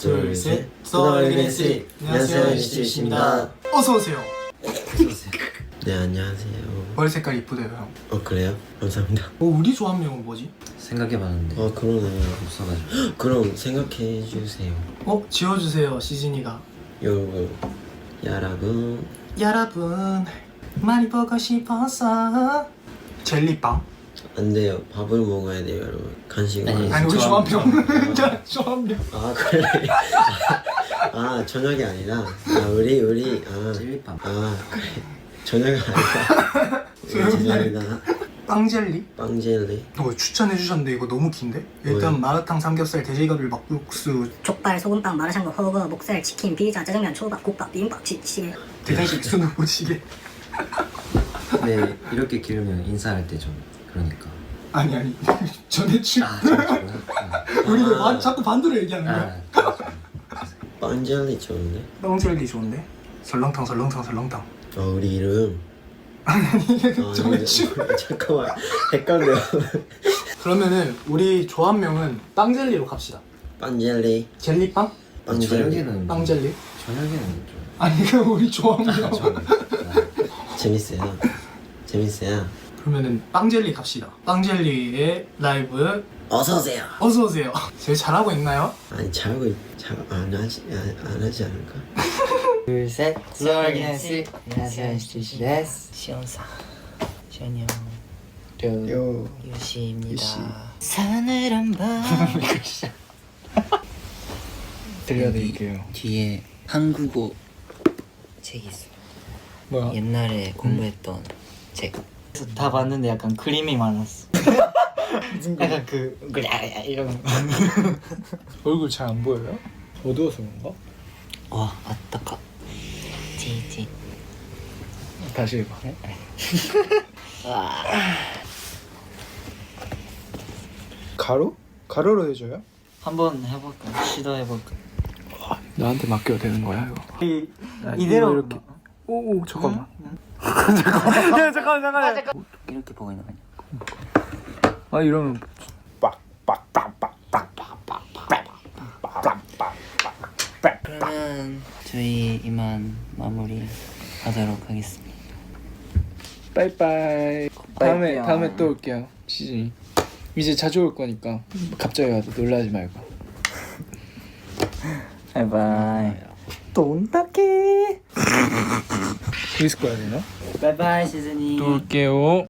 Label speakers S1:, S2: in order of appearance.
S1: 둘, 셋. 소울기네스. 안녕하세요, NCT입니다.
S2: 어서 오세요.
S1: 네, 안녕하세요.
S2: 머리 색깔 이쁘대요, 형.
S1: 그래요? 감사합니다.
S2: 우리 조합명은 뭐지?
S3: 생각해봤는데
S1: 그러네요.
S3: 없어가지고.
S1: 그럼 생각해 주세요.
S2: 지워주세요, 시진이가.
S1: 여러분.
S2: 많이 보고 싶어서. 젤리빵?
S1: 안 돼요. 밥을 먹어야 돼요, 여러분. 간식을.
S2: 아니, 우리 조합명. 조합명.
S1: 그래. 저녁이 아니라. 우리.
S3: 찔리빵.
S1: 그래. 저녁이 아니라. 죄송합니다.
S2: 빵젤리?
S1: 빵젤리.
S2: 추천해주셨는데 이거 너무 긴데? 일단
S1: 뭐요?
S2: 마라탕, 삼겹살, 돼지갈비, 막국수.
S4: 족발, 소금빵, 마라샹궈, 허거, 목살, 치킨, 피자, 짜장면, 초밥, 국밥, 비빔밥, 찌개.
S2: 대장식 순우부찌개.
S3: 네, 이렇게 기르면 인사할 때 좀 그러니까.
S2: 아니. 전해주.
S3: 저구나.
S2: 우리도 자꾸 반대로 얘기하는 거야.
S1: 빵젤리 좋은데?
S2: 빵젤리 좋은데? 설렁탕.
S1: 우리 이름.
S2: 전해주.
S1: 잠깐만. 헷갈려.
S2: 그러면은 우리 조합명은 빵젤리로 갑시다.
S1: 빵젤리.
S2: 젤리빵?
S3: 저녁에는
S2: 빵젤리?
S3: 저녁에는 좀.
S2: 아니 그럼 우리 조합명.
S1: 재밌어요.
S2: 그러면은 빵젤리 갑시다. 빵젤리의 라이브
S1: 어서오세요.
S2: 어서 오세요. 제일 잘하고 있나요?
S1: 아니 안 하지 않을까?
S5: 둘, 셋. 소울기네스. 안녕하세요, NCT 데스. 시온사. 시온이 형. 유시입니다. 사늘한 밤.
S2: 들려드릴게요.
S5: 뒤에 한국어 책이 있어.
S2: 뭐야?
S5: 옛날에 공부했던 책. 다 봤는데 약간 그림이 많았어. 약간 이런.
S2: 얼굴 잘 안 보여요? 어두워서 그런가?
S5: 와, 아따까. 지지.
S2: 다시 해봐. 가로로 해줘요?
S5: 한번 해볼까? 시도해볼까?
S2: 나한테 맡겨도 되는 거야 이거?
S5: 이대로
S2: 이렇게. 오 잠깐만. 잠깐만.
S5: 이렇게 보고 있는 거 아니야?
S2: 이러면
S5: 그러면 저희 이만 마무리 하도록 하겠습니다.
S2: 빠이빠이. 다음에 또 올게요. 시즌이 이제 자주 올 거니까 갑자기 와도 놀라지 말고.
S5: 바이바이.
S2: 돈다케. 여기서 꺼야 되나?
S5: 바이바이 시즈니.
S2: 또 올게요.